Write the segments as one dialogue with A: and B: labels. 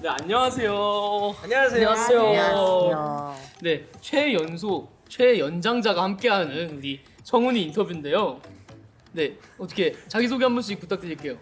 A: 네, 안녕하세요.
B: 안녕하세요.
C: 안녕하세요.
A: 네, 최연소, 최연장자가 함께하는 우리 청훈이 인터뷰인데요. 네, 어떻게 자기소개 한 번씩 부탁드릴게요.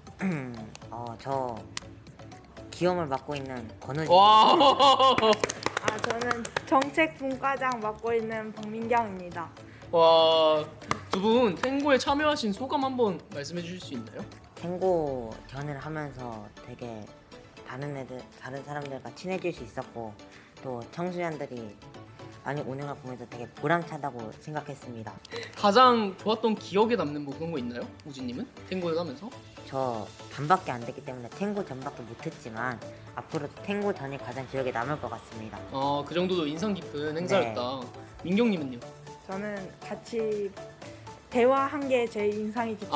C: 저 기염을 맡고 있는 권우지.
A: 와,
B: 저는 정책분과장 맡고 있는 박민경입니다.
A: 와, 두 분 탱고에 참여하신 소감 한번 말씀해 주실 수 있나요?
C: 탱고 전을 하면서 되게 다른 사람들과 친해질 수 있었고 또 청소년들이 많이 오는 걸 보면서 되게 보람차다고 생각했습니다.
A: 가장 좋았던 기억에 남는 뭐 그런 거 있나요? 우진님은 탱고를 하면서?
C: 저 반밖에 안 됐기 때문에 탱고 전밖에 못했지만 앞으로 탱고 전이 가장 기억에 남을 것 같습니다.
A: 그 정도도 인상 깊은 행사였다. 민경님은요?
B: 저는 같이 대화한 게 제일 인상이 깊습니다.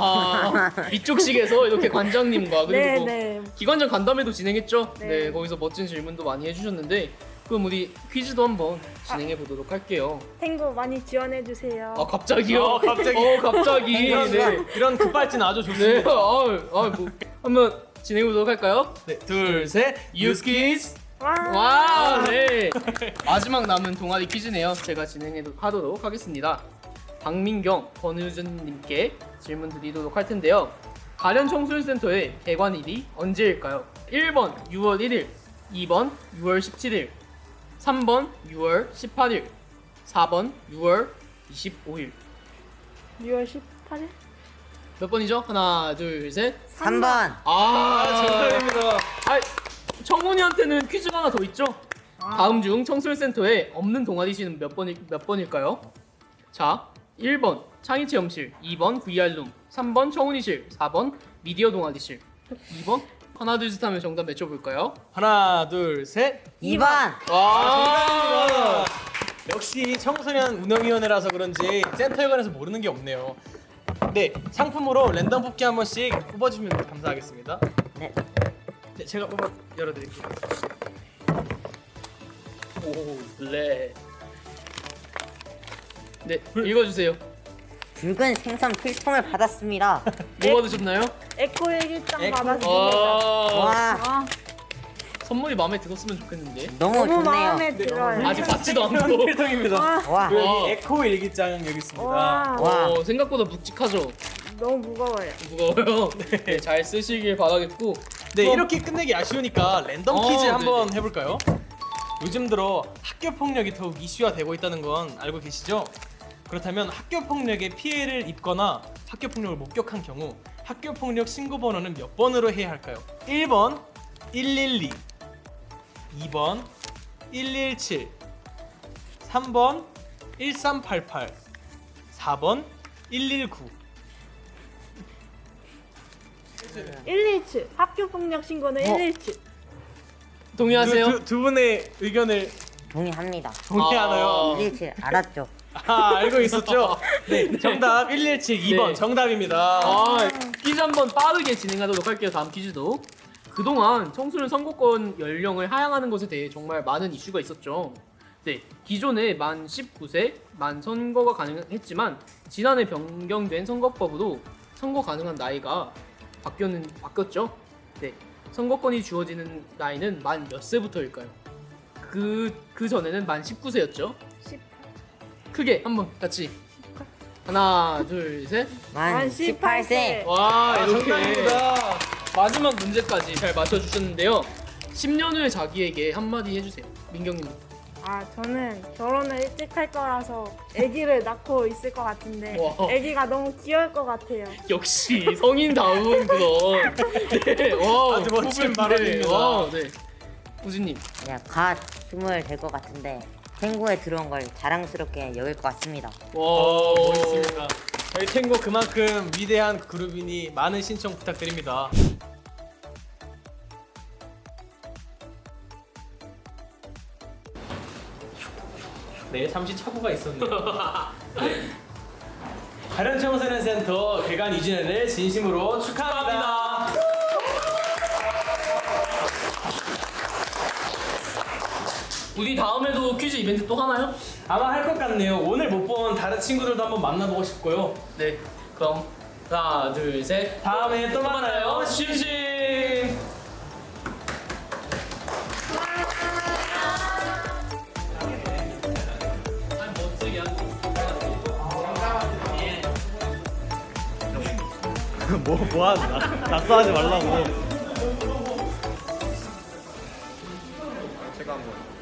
A: 위쪽식에서 이렇게 관장님과 그리고 뭐
B: 네.
A: 기관장 간담회도 진행했죠.
B: 네.
A: 네, 거기서 멋진 질문도 많이 해주셨는데 그럼 우리 퀴즈도 한번 진행해 보도록 할게요.
B: 탱고 많이 지원해 주세요.
A: 갑자기요? 갑자기. 네.
D: 이런 급발진 아주
A: 네.
D: 좋습니다.
A: 뭐 한번 진행해 보도록 할까요?
D: 네, 둘, 셋,
A: 유스키즈.
B: 와.
A: 와, 네. 마지막 남은 동아리 퀴즈네요. 제가 하도록 하겠습니다. 박민경, 권유준님께 질문 드리도록 할 텐데요. 가련 청소년센터의 개관일이 언제일까요? 1번 6월 1일, 2번 6월 17일, 3번 6월 18일, 4번 6월 25일.
B: 6월 18일?
A: 몇 번이죠? 하나, 둘, 셋.
C: 3번.
D: 정답입니다.
A: 청문이한테는 퀴즈가 하나 더 있죠? 다음 중 청소년센터에 없는 동아리실은 몇 번일까요? 자, 1번 창의체험실, 2번 VR룸, 3번 청운이실, 4번 미디어 동아리실. 2번? 하나 둘 셋 하면 정답 맞춰볼까요?
D: 하나, 둘, 셋.
C: 2번.
A: 와,
D: 역시 청소년 운영위원회라서 그런지 센터에 관해서 모르는 게 없네요. 네, 상품으로 랜덤 뽑기 한 번씩 뽑아주면 감사하겠습니다.
C: 네.
D: 네, 제가 열어드릴게요.
A: 오, 블랙. 네, 읽어주세요.
C: 붉은 생선 필통을 받았습니다.
A: 뭐 받으셨나요?
B: 에코 일기장
D: 에코.
B: 받았습니다.
C: 와,
B: 아,
A: 선물이 마음에 들었으면 좋겠는데.
C: 너무
B: 너무
C: 좋네요.
B: 마음에 들어요.
A: 아직 받지도 않고.
D: 필통입니다.
C: 와,
A: 와.
D: 여기 에코 일기장 여기 있습니다.
B: 와,
C: 와.
A: 생각보다 묵직하죠?
B: 너무 무거워요.
A: 무거워요. 네, 잘 쓰시길 바라겠고.
D: 네,
A: 그럼-
D: 이렇게 끝내기 아쉬우니까 랜덤 퀴즈 한번
A: 네네.
D: 해볼까요? 요즘 들어 학교 폭력이 더욱 이슈화 되고 있다는 건 알고 계시죠? 그렇다면 학교 폭력에 피해를 입거나 학교 폭력을 목격한 경우 학교 폭력 신고 번호는 몇 번으로 해야 할까요? 1번 112, 2번 117, 3번 1388, 4번 119.
B: 117 학교 폭력 신고는 117.
A: 동의하세요?
D: 두 분의 의견을
C: 동의합니다.
D: 동의하나요?
C: 117 알았죠?
D: 알고 있었죠? 네, 정답 117 2번
A: 네.
D: 정답입니다.
A: 퀴즈 한번 빠르게 진행하도록 할게요. 다음 퀴즈도. 그동안 청소년 선거권 연령을 하향하는 것에 대해 정말 많은 이슈가 있었죠. 네, 기존에 만 19세 만 선거가 가능했지만 지난해 변경된 선거법으로 선거 가능한 나이가 바뀌었죠. 네, 선거권이 주어지는 나이는 만 몇 세부터일까요? 그 전에는 만 19세였죠.
B: 18.
A: 크게 한번 같이 하나 둘 셋.
C: 만 18세.
A: 와, 이렇게
D: 정답입니다.
A: 마지막 문제까지 잘 맞춰주셨는데요. 10년 후에 자기에게 한마디 해주세요. 민경님.
B: 저는 결혼을 일찍 할 거라서 아기를 낳고 있을 것 같은데
A: 와.
B: 아기가 너무 귀여울 것 같아요.
A: 역시 성인다운 그런. 네, 와,
D: 아주 멋진
A: 네,
D: 발언입니다.
A: 와, 네. 우진님.
C: 그냥 갓 20 될 것 같은데 탱고에 들어온 걸 자랑스럽게 여길 것 같습니다.
A: 와,
D: 멋있습니다. 저희 탱고 그만큼 위대한 그룹이니 많은 신청 부탁드립니다. 네, 잠시 착오가 있었네요. 가련 청소년 센터 개관 2주년을 진심으로 축하합니다.
A: 우리 다음에도 퀴즈 이벤트 또 하나요?
D: 아마 할 것 같네요. 오늘 못 본 다른 친구들도 한번 만나보고 싶고요.
A: 네. 그럼 하나, 둘, 셋.
D: 다음에 또 만나요. 심심.
E: 뭐하는 낙서하지 말라고. 제가 한번